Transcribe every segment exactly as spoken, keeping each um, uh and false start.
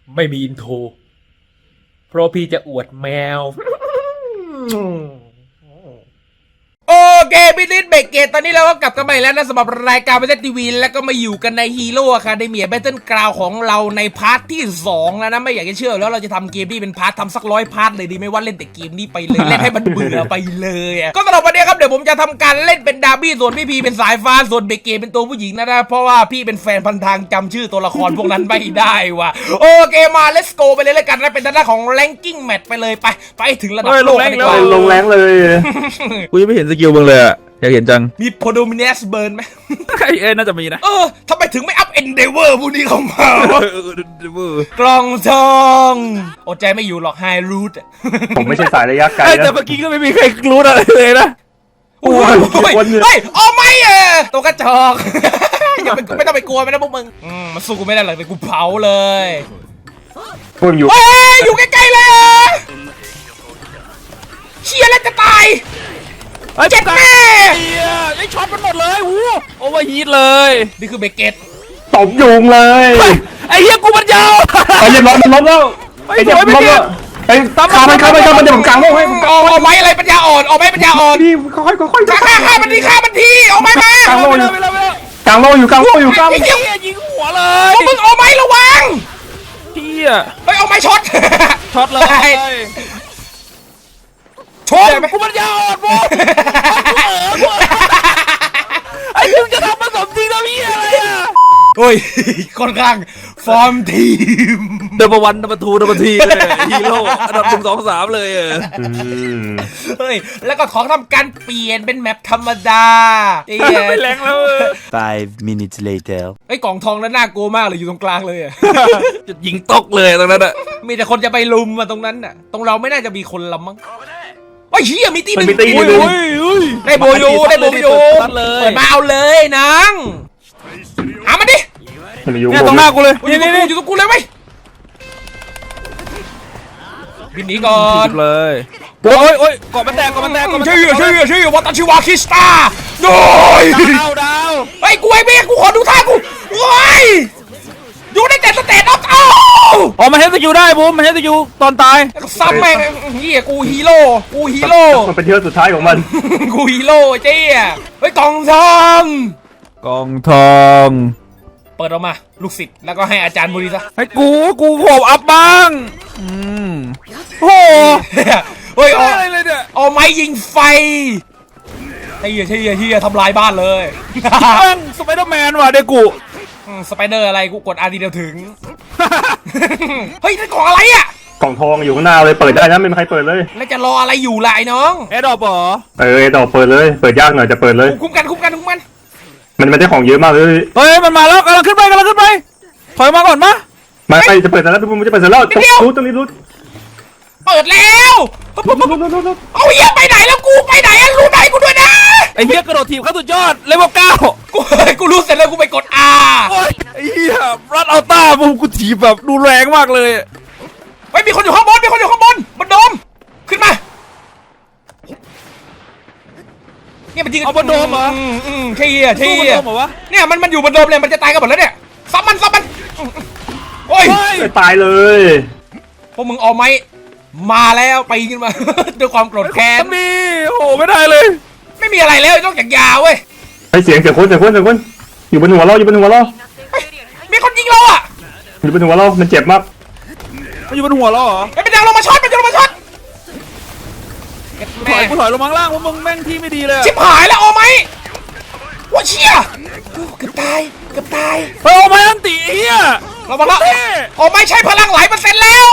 ไม่มีอินโทรเพราะพี่จะอวดแมวโอเคพี่ลิศเบรกเกตตอนนี้เราก็กลับกันมาอีกแล้วนะสำหรับรายการเบสทีวีแล้วก็มาอยู่กันในฮีโร่อะคาเดเมียแบทเทิลกราวของเราในพาร์ทที่สองแล้วนะไม่อยากจะเชื่อแล้วเราจะทำเกมที่เป็นพาร์ททำสักร้อยพาร์ทเลยดีไม่ว่าเล่นแต่เกมนี้ไปเลยเล่นให้มันเบื่อไปเลยอะก็สำหรับวันนี้ครับเดี๋ยวผมจะทำการเล่นเป็นดาร์บี้ส่วนพี่พีเป็นสายฟ้าส่วนเบรกเกตเป็นตัวผู้หญิงนะนะเพราะว่าพี่เป็นแฟนพันทางจำชื่อตัวละครพวกนั้นไม่ได้ว่ะโอเคมา let's go ไปเลยแล้วกันนะเป็นด้านของ ranking match ไปเลยไปไปถึงระดับโลกกันดีกว่าลงแรงเลยกูยังไม่เห็นสกิลมึงเลยอะอยากเห็นจังมี Podominus Burn ไหมเอ้น่าจะมีนะเออทำไมถึงไม่อัพ Endeavor พวกนี้เข้ามากล่องทองอดใจไม่อยู่หรอก High Root ผมไม่ใช่สายระยะไกลนะแต่เมื่อกี้ก็ไม่มีใครรู้อะไรเลยนะโอ้ยเฮ้ยเอาไม่เออตัวกระจอกอย่าไปไม่ต้องไปกลัวมันนะพวกมึงอืมมันสู้กูไม่ได้หรอกเลยกูเผาเลยพวกอยู่เฮ้ยอยู่ใกล้ๆเลยเชียร์แล้วจะตายเจ็บแม่ไอ้ช็อตมันหมดเลยวู้โอเวอร์ฮีทเลยนี่คือเบเกตตบยุงเลยไอ้เหี้ยกูมันยาวไอ้เจ็บล้มมันล้มแล้วไอ้เจ็บล้มแล้วไอ้ขามันขามันขามันเดี๋ยวผมกางโลกให้ผมกางเอาไม้อะไรปัญญาอ่อนเอาไม้ปัญญาอ่อนพี่ค่อยๆค่อยๆฆ่าฆ่ามันทีฆ่ามันทีเอาไม้มากางโลอยู่กางโลอยู่กางโลอยู่กางไอ้เหี้ยยิงหัวเลยมึงเอาไม้ระวังเหี้ยเฮ้ยเอาไม้ช็อตช็อตเลยชนกูมันยาวอ่อนโว้ไอ้มึงจะทำผสมจริงนะพี่อะไรอ่ะเฮ้ยค่อนข้างฟอร์มทีมเดบวันเดบทูเดบทีเลยฮีโร่อันดับหนึ่งสองสามเลยเฮ้ยแล้วก็ของทำการเปลี่ยนเป็นแมปธรรมดาไม่แรงแล้ว five minutes later ไอ้กล่องทองนั้นน่ากลัวมากเลยอยู่ตรงกลางเลยอ่ะจะยิงตกเลยตรงนั้นอ่ะมีแต่คนจะไปลุมมาตรงนั้นอ่ะตรงเราไม่น่าจะมีคนละมั้งโอ้ยเฮียมีตีหนึ่งได้โบยูได้โบยูเปิดมาเอาเลยนางหามันดิเนี่ยตรงหน้ากูเลยนี่นี่อยู่ตรงกูเลยไหมบินหนีก่อนเลยโอ้ยโอ้ยเกาะมันแตกเกาะมันแตกชื่อชื่อชื่อวัตชิวาคิสตาโดยดาวดาวไอ้กูไอ้เบี้ยกูขอดูท่ากูโอ้ยอยู่ในแต่สเตตออฟเอ้าอ๋อมันเฮดสกิลได้บูมมันเฮดสกิลตอนตายซ้ำแม่งเฮียกูฮีโร่กูฮีโร่มันเป็นเที่ยวสุดท้ายของมันกูฮีโร่เจ๊เฮ้ยกองทองกองทองเปิดออกมาลูกศิษย์แล้วก็ให้อาจารย์บุรีซะให้กูกูโผล่อัพบ้างอืมโอ้เฮ้ยอะไรเลยเนี่ยเอาไม้ยิงไฟเฮียเฮียเฮียทำลายบ้านเลยตั้งสไปเดอร์แมนว่ะเด็กกูสไปเดอร์อะไรกูกดอาร์ทีเดียวถึงเฮ้ยนั่นของอะไรอ่ะกล่องทองอยู่ข้างหน้าเลยเปิดได้นะไม่มีใครเปิดเลยแล้วจะรออะไรอยู่ล่ะไอ้น้องแอดดอปเหรอเออแอดดอปเปิดเลยเปิดยากหน่อยจะเปิดเลยคุ้มกันคุ้มกันคุ้มกันมันมันได้ของเยอะมากเลยเฮ้ยมันมาแล้วกำลังขึ้นไปกำลังขึ้นไปถอยมาก่อนมะมาไปจะเปิดแล้วพี่บุ้มจะเปิดแล้วรู้ต้องรีบรู้เปิดแล้วเอาเหี้ยไปไหนแล้วกูไปไหนรู้ไหนกูด้วยนะไอ้เหี้ยกระโดดทีมขั้นสุดยอดเลเวลเก้ากูกูรู้เสร็จแล้วกูไปกด R ไอ้เหี้ยรัดเอาต้าบุ้มกูทีแบบดูแรงมากเลยเฮ้ยมีคนอยู่ข้างบนมีคนอยู่ข้างบนบนโดมขึ้นมาเนี่ยมันยิงเอาบนโดมเหรออืมใช่เหี้ยใช่เหี้ยเนี่ยมันมันอยู่บนโดมเลยมันจะตายกันหมดแล้วเนี่ยซับมันซับมันโอ้ยตายเลยพวกมึงเอาไหมมาแล้วไปขึ้นมาด้วยความโกรธแค้นมีโอ้ไม่ได้เลยไม่มีอะไรแล้วนอกจากยาเว้ยไอเสียงเสียงคนเสียงคนเสียงคนอยู่บนหัวเราอยู่บนหัวเรามีคนยิงเราอ่ะอยู่บนหัวเรามันเจ็บมากมันอยู่บนหัวเราเหรอไอ้เป็นยังลงมาช็อตเป็นยังลงมาช็อตถอยกูถอยลงมาล่างเพราะมึงแม่งที่ไม่ดีเลยชิบหายแล้วเอาไหมว่าเชี่ยเกือบตายเกือบตายเฮ้ยเอาไหมอันตีเฮียเรามาละเอาไหมใช้พลังหลายเปอร์เซ็นต์แล้ว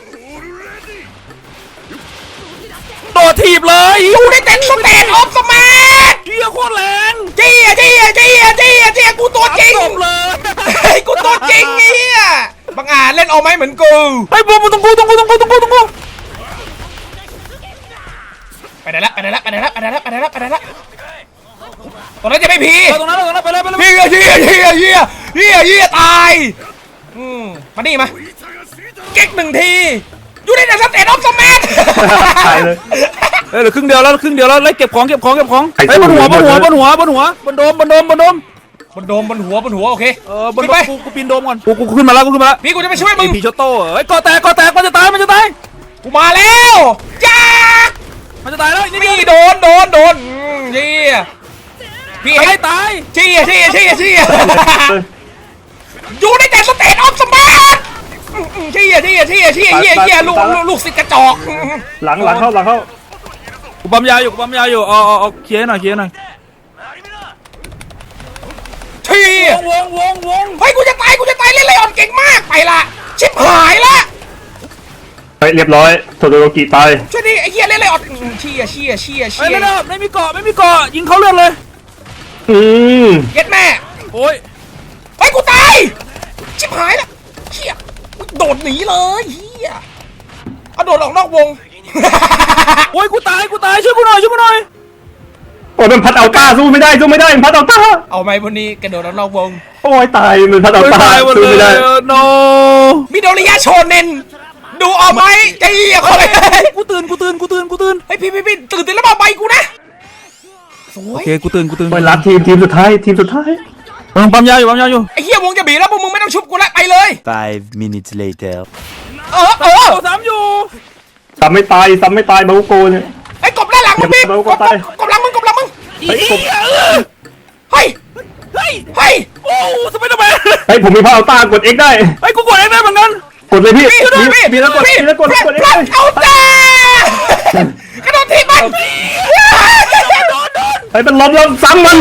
โดดถีบเลยอยู่ในเต็นท์สเตนออฟสมาร์ทเฮียโคตรแรงเจี๊ยเจี๊ยเจี๊ยเจี๊ยเจี๊ยกูตัวจริงเลยกูตัวจริงเฮียบางอาจเล่นเอาไหมเหมือนกูไอ้บูมตรงกูตรงกูตรงกูตรงกูตรงกูไปไหนละไปไหนละไปไหนละไปไหนละไปไหนละไปไหนละตรงนั้นจะไม่พีตรงนั้นตรงนั้นไปเลยไปเลยเฮียเฮียเฮียเฮียเฮียเฮียตายอืมมาดิมาเก๊กหนึ่งทีอยู่ในเดอะสเตทออฟสมาร์ทตายเลยเฮ้ยเหลือครึ่งเดียวแล้วครึ่งเดียวแล้วไล่เก็บของเก็บของเก็บของไอ้บนหัวบนหัวบนหัวบนหัวบนโดมบนโดมบนโดมบนโดมบนหัวบนหัวโอเคเออบนขึ้นไปกูกูปีนโดมก่อนกูกูขึ้นมาแล้วกูขึ้นมาแล้วพี่กูจะไปช่วยมึงพีชอตโต้เฮ้ยกอแตกกอแตกมันจะตายมันจะตายกูมาแล้วจ้ามันจะตายแล้วนี่พี่โดนโดนโดนอืมเชี่ยพี่ตาเอ็ยกตายเชี่ยเชี่ยเชี่ยเชี่ยอยู่ในแต่สเตทออฟสมาร์ทเชี่ยเชี่ยเชี่ยเชี่ยเชี่ยเชี่ยลูกลูกลูกศิษย์กระจอกหลังหลังเข้าหลังเข้ากูปั๊มยาอยู่กูปั๊มยาอยู่เอาเอาเอาเคลียร์หน่อยเคลียร์หน่อยเชี่ยวงวงวงเฮ้ยกูจะตายกูจะตายเล่นไลออนเก่งมากไปละชิบหายละเฮ้ยเรียบร้อยโทโดโรกิตายช่วยดิไอ้เหี้ยเล่นไลออนอืมเชี่ยเชี่ยเชี่ยเฮ้ยเชี่ยไม่ได้ไม่มีเกาะไม่มีเกาะยิงเขาเลือดเลยอืมเย็ดแม่โอ้ยเฮ้ยกูตายชิบหายละเชี่ยโดดหนีเลยเฮียเอาโดดออกนอกวงโอ้ยกูตายกูตายช่วยกูหน่อยช่วยกูหน่อยโอ้ยมันพัดเอาต้าสู้ไม่ได้สู้ไม่ได้มันพัดเอาต้าเอาไหมวันนี้กระโดดออกนอกวงโอ้ยตายมันพัดเอาโอ้ยต้าตายหมดสู้เลไม่ได้ยโนมิโดริยะโชเนนดูเอาไหมไอ้เหี้ยคนเลยกูตื่นกูตื่นกูตื่นกูตื่นเฮ้ยพี่พี่พี่ตื่นตื่นแล้วมาใบกูนะสวโอย เคกูตื่นกูตื่นโอ้ยรัดทีมทีมสุดท้ายทีมสุดท้ายเออปั๊มยาอยู่ปั๊มยาอยู่ไอ้เหี้ยวงจะบีบแล้วพวกมึงไม่ต้องชุบกูละไปเลย Five minutes later. เออเออโอ้สามอยู่ซ้ำไม่ตายซ้ำไม่ตายบาโกเนี่ยไอ้กบด้านหลังมึงพี่เดี๋ยวกเราบก็ตายกบหลังมึงกบหลังมึงเฮ้ยผมเฮ้ยเฮ้ยเฮ้ยโอ้สไปเดอร์แมนเฮ้ยผมมีพัดเอาต้ากด X ได้เฮ้ยกูกดเองได้เหมือนกันกดเลยพี่พี่ช่วยด้วยพี่มีแล้วกดพี่มีแล้วกดพลัดกดพลัด X เอาตากระโดดทีบมันโดนโดนเฮ้ยมันล้มแล้วซ้ำมัน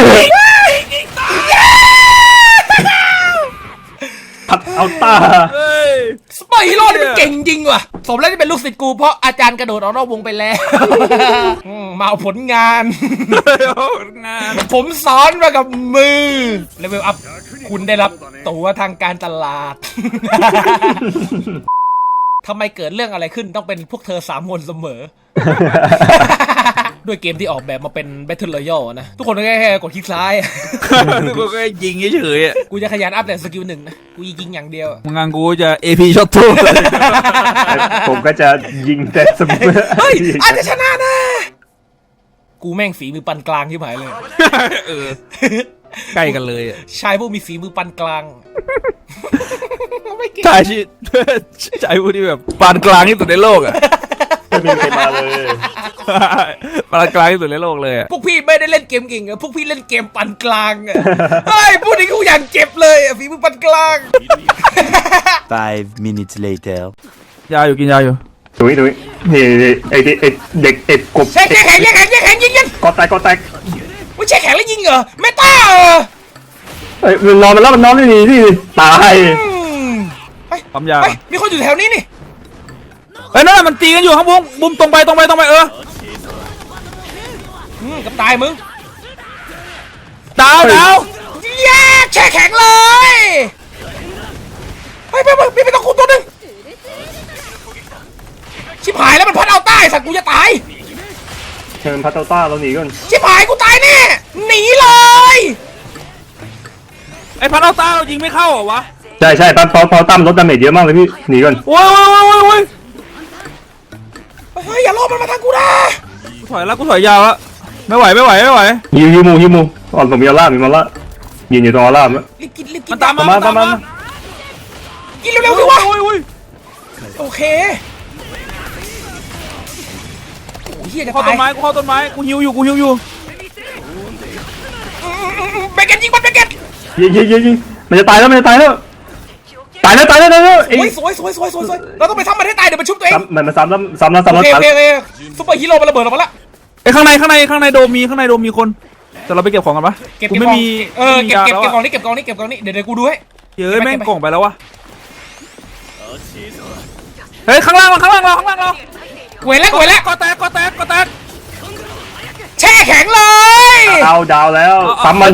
พัดเอาต้าเฮ้ยสไปร์ฮีโร่นี่มันเก่งจริงว่ะสมแล้วที่เป็นลูกศิษย์กูเพราะอาจารย์กระโดดออกนอกวงไปแล้วอืมมาเอาผลงานงานผมสอนมากับมือเลเวลอัพคุณได้รับตั๋วทางการตลาด ทำไมเกิดเรื่องอะไรขึ้นต้องเป็นพวกเธอสามคนเสมอ ด้วยเกมที่ออกแบบมาเป็น Battle Royale นะ ทุกคนก็แค่กดคลิกซ้ายทุกคนก็ยิงเฉยๆอ่ะกูจะขยันอัพแต่สกิลหนึ่งนะ กูยิงอย่างเดียวงานกูจะ เอ พี ช็อตทูผมก็จะยิงแต่สมุนเฮ้ย อาจจะชนะนะ กูแม่งฝีมือปานกลางที่หายเลยเออใกล้กันเลยอ่ะชายผู้มีฝีมือปานกลาง ไม่เก่งชายที่ชายผู้ที่แบบปานกลางที่สุดในโลกอ่ะไม่มีใครมาเลยปานกลางที่สุดในโลกเลยอ่ะพวกพี่ไม่ได้เล่นเกมเก่งอะพวกพี่เล่นเกมปานกลางอะเฮ้ยพูดถึงกูอย่างเจ็บเลยอะฝีมือปานกลาง Five minutes later. ยาอยู่กินยาอยู่ดุยดุยนี่นี่ไอ้ที่ไอ้เด็กเอ็ดกบแช่แข็งแช่แข็งแช่แข็งยิงยิงกอแตกกอแตกไม่แช่แข็งแล้วยิงเหรอเมตาเหรอเฮ้ยมันนอนมันแล้วมันนอนไม่ดีนี่ตายอืมไปปั๊มยาไปมีคนอยู่แถวนี้นี่เฮ้ยนั่นแหละมันตีกันอยู่ครับบุ้มบุ้มตรงไปตรงไปตรงไปเอออืมกับตายมึงดาวดาวแย่แช่แข็งเลยไปไปไปพี่ไปต้องคูตัวหนึ่งชิบหายแล้วมันพัดเอาใต้สัตว์กูจะตายเชิญพัตเตอร์ต้าเราหนีก่อนชิบหายกูตายแน่หนีเลยไอ้พันเอาตาเรายิงไม่เข้าเหรอวะใช่ใช่ปั๊มพอพอตั้มลดดาเมจเยอะมากเลยพี่หนีก่อนโว้ยโว้ยโว้ยโว้ยโว้ยเฮ้ยอย่าล่อมันมาทางกูนะกูถอยแล้วกูถอยยาวแล้วไม่ไหวไม่ไหวไม่ไหวฮิวฮิวมูฮิวมูอ๋อผมมีออร่ามีออร่ายืนอยู่ตรงออร่าแล้วรีบกินรีบกิมัน นตามมามามันตามมามามากินเร็วๆสิวะโอ้ยโอ้ยโอเคโอ้ยเฮียจะเข้าตาต้ยนไม้กูเข้าต้นไม้กูหิวอยู่กูหิวอยู่เบเกตยิงมันเบเกตยิงยิงยิงยิงมันจะตายแล้วมันจะตายแล้วตายแล้วตายแล้วตายแล้วโอ้ยสวยสวยสวยสวยสวยเราต้องไปทำมันให้ตายเดี๋ยวมันชุบตัวเองซ้ำมันมาซ้ำแล้วซ้ำแล้วโอซ้ำแล้วเคโอซ้ำเคโอเคซุปเปอร์ฮีโร่มันระเบิดออกมาละไอ้ข้างในข้างในข้างในโดมมีข้างในโดมมีคนแต่เราไปเก็บของกันปะเก็บกูเก็บไม่กล่องมีเออเก็บเก็บไม่มียาเก็บกล่องแล้วนี้เก็บกล่องนี้เก็บกล่องนี้เดี๋ยวเดี๋ยวกูดูให้เยอะแม่งเก็บไปกล่องไปแล้ววะเฮ้ยข้างล่างเราข้างล่างเราข้างล่างเราเว้ยแล้วเว้ยแล้วก็แตกก็แตกก็แตกแช่แข็งเลยเอาดาวแล้วซ้ำมัน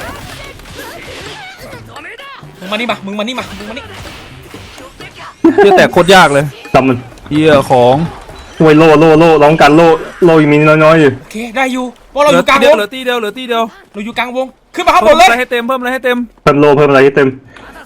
มึงมานี่มามึงมานี่มามึงมานี่เหี้ยแตกโคตรยากเลยซ้ำมันเหี้ยของช่วยโล่โล่โล่ร้องกันโล่โล่ยังมีน้อยๆอยู่โอเคได้อยู่เพราะเราเหอลือยู่กลางตีเดีวยวงเหลือตีเดียวเหลือตีเดียวเราอยู่กลางวงขึ้นมาข้างบเพิ่นมเลอะไรยให้เต็มเพิ่มอะไรให้เต็มเพิ่มโล่เพิ่มอะไรให้เต็ม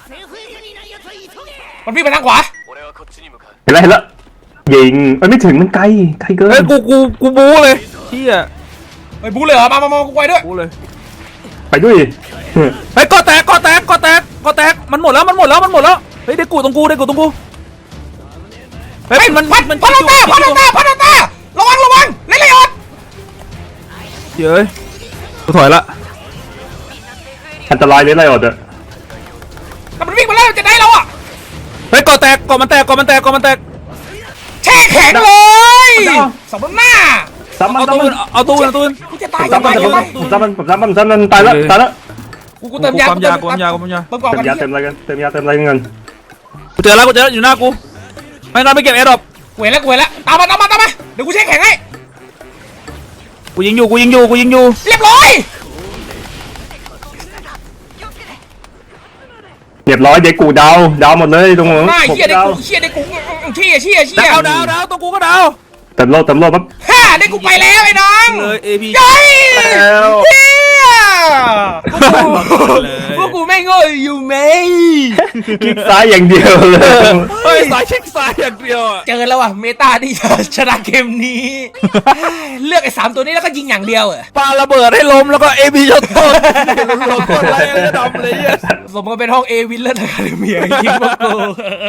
มันพี่งไปทางขวาเห็นแล้วเห็นแล้วยิงมันไม่ถึงมันไกลไกลเกิเฮ้ยนกูกูกูบู๊เลยเหี้ยไปบูเลยเหรอมามามากูไปด้วยบู๊เลยไปด้วยเฮ้ยกอแตกกอแตกกอแตกกอแตกมันหมดแล้วมันหมดแล้วมันหมดแล้วเฮ้ยเด็กกูตรงกูเด็กกูตรงกูเฮ้ยเฮ้ยมันพัดมันพัดคิตาว พัดคิวตาพัดตาระวังระวังเล่นเลยอดเฮ้ยกูถอยละอันตรายเลยไรอดอะแต่มันวิ่งมาแล้วจะได้เราอ่ะเฮ้ยกอแตกกอมันแตกกอมันแตกกอมันแตกแช่แข็งเลยสมน้ำหน้าซ้ำมันเอาซ้ำตู้มันเอาตู้เอาตู้กูจะตายซ้ำมันยังไงผมซ้ำมันผมซ้ำมันซ้ำมันตายแล้วตายแล้วกูกูเติมยาความยาความยาความยาเติมก่อนเต็มกันยาเต็มอะไรกันเต็มยาเต็มอะไรเงินกูเจอแล้วกูเจอแล้วอยู่หน้ากูไม่นอนไปเก็บแอร์ดรอปกูเห็นแล้วกูเห็นแล้วตามมาตามมาตามมาเดี๋ยวกูแช่แข็งให้กูยิงอยู่กูยิงอยู่กูยิงอยู่เรียบร้อยเรียบร้อยเด็กกูดาวดาวหมดเลยตรงหัวหน้าผมเชี่ยได้ดาวกูเชี่ยได้กูเชี่ยเชี่ยเชี่ยดาวดาวดาวตัวกูก็ดาวเต็มโลดเต็มโลดปั๊บฮ่าได้กูไปแล้วไอ้น้องเลย เอ พียัยแล้วเฮียเลยพวกกูไม่โง่อยู่ไหมคลิกซ้ายอย่างเดียวเลยเฮ้ยสายเช็คสายอย่างเดียวอะเจอแล้วว่ะเมตาที่จะชนะเกมนี้ เลือกไอ้สามตัวนี้แล้วก็ยิงอย่างเดียวอะปาระเบิดให้ล้มแล้วก็ เอ พี ช็อตต้นเราโคตรไรก็ดำเลยเนี่ยสมกับเป็นห้องเอวิลเลอร์อะคาเดเมียยิงพวกกู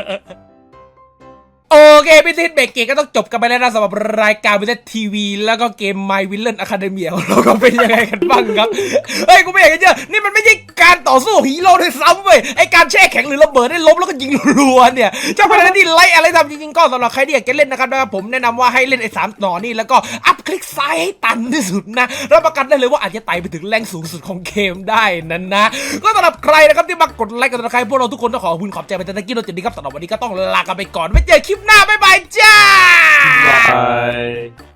โอเคพี่ทิศเบรกเกตก็ต้องจบกันไปแล้วนะสำหรับรายการวิทยทีวีแล้วก็เกม My Villain Academia ของเราก็เป็นยังไงกันบ้างครับ เฮ้ย กูไม่อยากจะเชื่อนี่มันไม่ใช่การต่อสู้ฮีโร่ด้วยซ้ำเว้ยไอการแช่แข็งหรือระเบิดได้ล้มแล้วก็ยิงรัวๆเนี่ยเจ้าพนักงานที่ไล่อะไรทำจริงๆก็สำหรับใครที่อยากจะเล่นนะครับนะครับผมแนะนำว่าให้เล่นไอ้สามหนอนี่แล้วก็อัพคลิกซ้ายให้ตันที่สุดนะรับประกันได้เลยว่าอาจจะไต่ไปถึงแรงสูงสุดของเกมได้นั้นนะก็สำหรับใครนะครับที่มากดไลค์กันนะใครพวกเราทุกคนต้องขอขอบคุณขอบใจไปแต่ตะกี้เราจะดีครับสำหรับวันนี้ก็ต้องลากันไปก่อนไว้เจอคลิปหน้าบ๊ายบายจ้าบาย